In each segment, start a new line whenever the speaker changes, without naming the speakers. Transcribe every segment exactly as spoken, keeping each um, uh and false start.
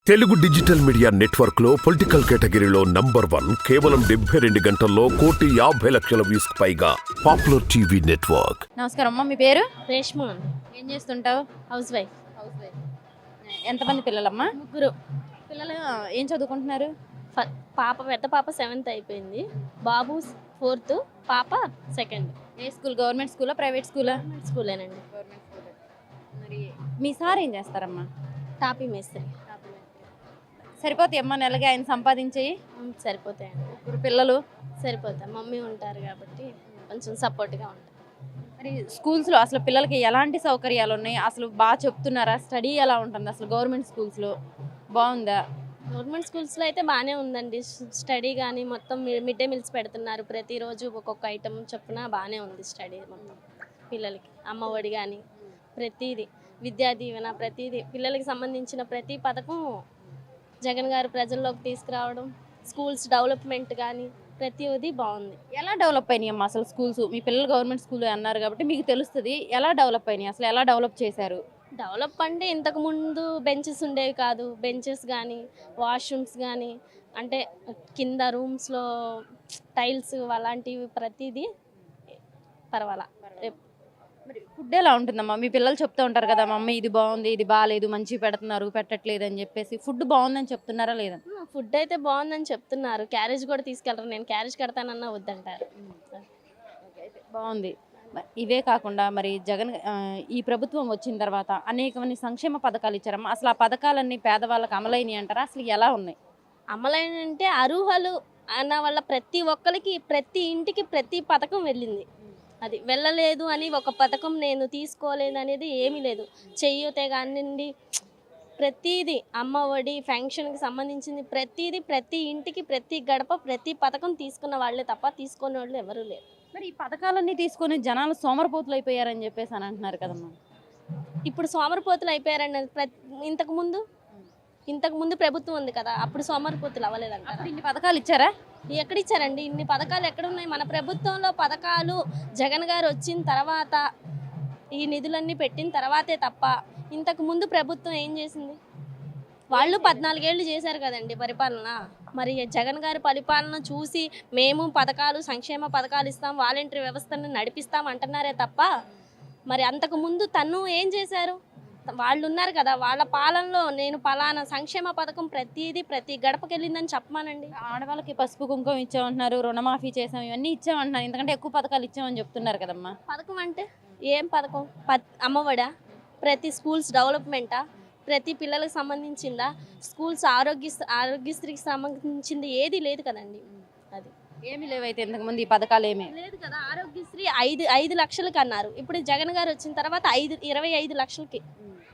Telugu digital media network లో political కేటగిరీలో number one కేవలం డెబ్బై రెండు గంటల్లో కోటి యాభై లక్షల వ్యూస్ పైగా పాపులర్ టీవీ నెట్వర్క్.
నమస్కారం అమ్మా, మీ పేరు?
రేష్మ.
ఏం చేస్తుంటావు?
House wife.
House wife. ఎంతమంది పిల్లలమ్మా?
ముగ్గురు.
పిల్లలు ఏం చదువుకుంటున్నారు?
ఫ- పాప పెద్ద పాప సెవెంత్ అయిపోయింది, బాబు ఫోర్త్, పాప సెకండ్.
ఏ స్కూల్? గవర్నమెంట్ స్కూలా, ప్రైవేట్ స్కూలా?
స్కూలేనండి.
Government school. మరి మీ సార్ ఏం చేస్తారమ్మా?
టాపీ మేస్త్రి.
సరిపోతాయి అమ్మా నెలకి ఆయన సంపాదించేయి?
ఉమ్, సరిపోతాయండి.
ముగ్గురు పిల్లలు.
సరిపోతాయి, మమ్మీ ఉంటారు కాబట్టి కొంచెం సపోర్ట్గా ఉంటారు.
మరి స్కూల్స్లో అసలు పిల్లలకి ఎలాంటి సౌకర్యాలు ఉన్నాయి? అసలు బాగా చెప్తున్నారా? స్టడీ ఎలా ఉంటుంది అసలు గవర్నమెంట్ స్కూల్స్లో? బాగుందా?
గవర్నమెంట్ స్కూల్స్లో అయితే బాగానే ఉందండి. స్టడీ కానీ మొత్తం మిడ్ డే మీల్స్ పెడుతున్నారు, ప్రతిరోజు ఒక్కొక్క ఐటమ్ చొప్పున బాగానే ఉంది స్టడీ మొత్తం. పిల్లలకి అమ్మఒడి కానీ ప్రతిదీ, విద్యా దీవెన, ప్రతిదీ పిల్లలకి సంబంధించిన ప్రతి పథకం జగన్ గారు ప్రజల్లోకి తీసుకురావడం, స్కూల్స్ డెవలప్మెంట్ కానీ ప్రతిదీ బాగుంది.
ఎలా డెవలప్ అయినాయి అమ్మా అసలు స్కూల్స్? మీ పిల్లలు గవర్నమెంట్ స్కూల్ అన్నారు కాబట్టి మీకు తెలుస్తుంది. ఎలా డెవలప్ అయినాయి అసలు? ఎలా డెవలప్ చేశారు?
డెవలప్ అంటే ఇంతకుముందు బెంచెస్ ఉండేవి కాదు, బెంచెస్ కానీ వాష్రూమ్స్ కానీ అంటే కింద రూమ్స్లో టైల్స్ అలాంటివి ప్రతిదీ పర్వాలా.
మరి ఫుడ్ ఎలా ఉంటుందమ్మా? మీ పిల్లలు చెప్తూ ఉంటారు కదా, మమ్మీ ఇది బాగుంది, ఇది బాగాలేదు, మంచి పెడుతున్నారు, పెట్టట్లేదు అని చెప్పేసి. ఫుడ్ బాగుందని చెప్తున్నారా లేదా?
ఫుడ్ అయితే బాగుందని చెప్తున్నారు, క్యారేజ్ కూడా తీసుకెళ్తారు. నేను క్యారేజ్ కడతానన్నా వద్దంటారు.
బాగుంది. మ- ఇవే కాకుండా మరి జగన్ ఆ, ఈ ప్రభుత్వం వచ్చిన తర్వాత అనేకమంది సంక్షేమ పథకాలు ఇచ్చారమ్మా. అసలు ఆ పథకాలన్నీ పేదవాళ్ళకి అమలైనవి అంటారా? అసలు ఎలా ఉన్నాయి?
అమలైనంటే అర్హులు అన్న వాళ్ళ ప్రతి ఒక్కరికి ప్రతి ఇంటికి ప్రతి పథకం వెళ్ళింది. అది వెళ్ళలేదు అని ఒక పథకం నేను తీసుకోలేదు అనేది ఏమీ లేదు. చెయ్యూతే కానివ్వండి, ప్రతిదీ అమ్మ ఒడి ఫంక్షన్కి సంబంధించింది ప్రతిదీ ప్రతి ఇంటికి ప్రతి గడప ప్రతి పథకం తీసుకున్న వాళ్ళే తప్ప తీసుకునే వాళ్ళు ఎవరూ లేరు.
మరి ఈ పథకాలన్నీ తీసుకొని జనాలు సోమరపోతులు అయిపోయారని చెప్పేసి అని అంటున్నారు కదమ్మా.
ఇప్పుడు సోమరిపోతులు అయిపోయారండి. ప్రతి ఇంతకు ముందు ఇంతకు ముందు ప్రభుత్వం ఉంది కదా, అప్పుడు సోమరిపోతులు అవ్వలేదంట.
అప్పుడు ఇన్ని పథకాలు ఇచ్చారా?
ఎక్కడిచ్చారండి ఇన్ని పథకాలు? ఎక్కడున్నాయి? మన ప్రభుత్వంలో పథకాలు జగన్ గారు వచ్చిన తర్వాత ఈ నిధులన్నీ పెట్టిన తర్వాతే తప్ప ఇంతకు ముందు ప్రభుత్వం ఏం చేసింది? వాళ్ళు పద్నాలుగేళ్ళు చేశారు కదండి పరిపాలన. మరి జగన్ గారి పరిపాలన చూసి మేము పథకాలు సంక్షేమ పథకాలు ఇస్తాం, వాలంటరీ వ్యవస్థను నడిపిస్తాం అంటున్నారే తప్ప మరి అంతకు ముందు తను ఏం చేశారు? వాళ్ళు ఉన్నారు కదా, వాళ్ళ పాలనలో నేను పలానా సంక్షేమ పథకం ప్రతిదీ ప్రతి గడపకి వెళ్ళిందని చెప్పమానండి.
ఆడవాళ్ళకి పసుపు కుంకుమ ఇచ్చామంటున్నారు, రుణమాఫీ చేసాం, ఇవన్నీ ఇచ్చామంటున్నారు. ఎందుకంటే ఎక్కువ పథకాలు ఇచ్చామని చెప్తున్నారు కదమ్మా.
పథకం అంటే ఏం పథకం? ప అమ్మఒడా? ప్రతి స్కూల్స్ డెవలప్మెంటా? ప్రతి పిల్లలకు సంబంధించిందా? స్కూల్స్ ఆరోగ్య ఆరోగ్యశ్రీకి సంబంధించింది ఏది లేదు కదండి. అది
ఏమి లేవైతే ఇంతకుముందు ఈ పథకాలు ఏమీ
లేదు కదా. ఆరోగ్యశ్రీ ఐదు ఐదు లక్షలకి అన్నారు, ఇప్పుడు జగన్ గారు వచ్చిన తర్వాత ఐదు ఇరవై ఐదు లక్షలకి.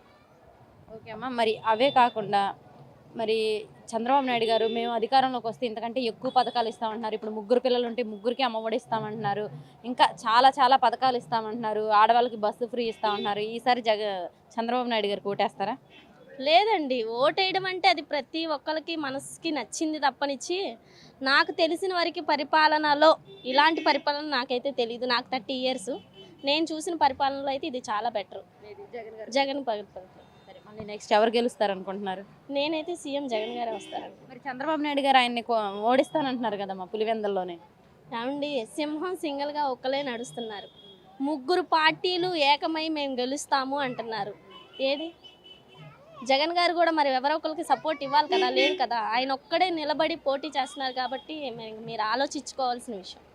ఓకే అమ్మా. మరి అవే కాకుండా మరి చంద్రబాబు నాయుడు గారు మేము అధికారంలోకి వస్తే ఇంతకంటే ఎక్కువ పథకాలు ఇస్తామంటున్నారు. ఇప్పుడు ముగ్గురు పిల్లలు ఉంటే ముగ్గురికి అమ్మఒడి ఇస్తామంటున్నారు, ఇంకా చాలా చాలా పథకాలు ఇస్తామంటున్నారు, ఆడవాళ్ళకి బస్సు ఫ్రీ ఇస్తామంటున్నారు. ఈసారి జగ చంద్రబాబు నాయుడు గారు ఓటేస్తారా?
లేదండి, ఓటేయడం అంటే అది ప్రతి ఒక్కరికి మనసుకి నచ్చింది తప్పనిచ్చి నాకు తెలిసిన వరకు పరిపాలనలో ఇలాంటి పరిపాలన నాకైతే తెలియదు. నాకు థర్టీ ఇయర్స్, నేను చూసిన పరిపాలనలో అయితే ఇది చాలా బెటర్. జగన్ పరిపాలన.
సరే, మళ్ళీ నెక్స్ట్ ఎవరు గెలుస్తారు అనుకుంటున్నారు?
నేనైతే సీఎం జగన్ గారే వస్తారండి.
మరి చంద్రబాబు నాయుడు గారు ఆయన్ని కో- ఓడిస్తానంటున్నారు కదమ్మా పులివెందల్లోనే.
ఏమండి, సింహం సింగిల్గా ఒక్కలే నడుస్తున్నారు, ముగ్గురు పార్టీలు ఏకమై మేము గెలుస్తాము అంటున్నారు. ఏది? జగన్ గారు కూడా మరి ఎవరో ఒకరికి సపోర్ట్ ఇవ్వాలి కదా, లేదు కదా. ఆయన ఒక్కడే నిలబడి పోటీ చేస్తున్నారు కాబట్టి మీరు ఆలోచించుకోవాల్సిన విషయం.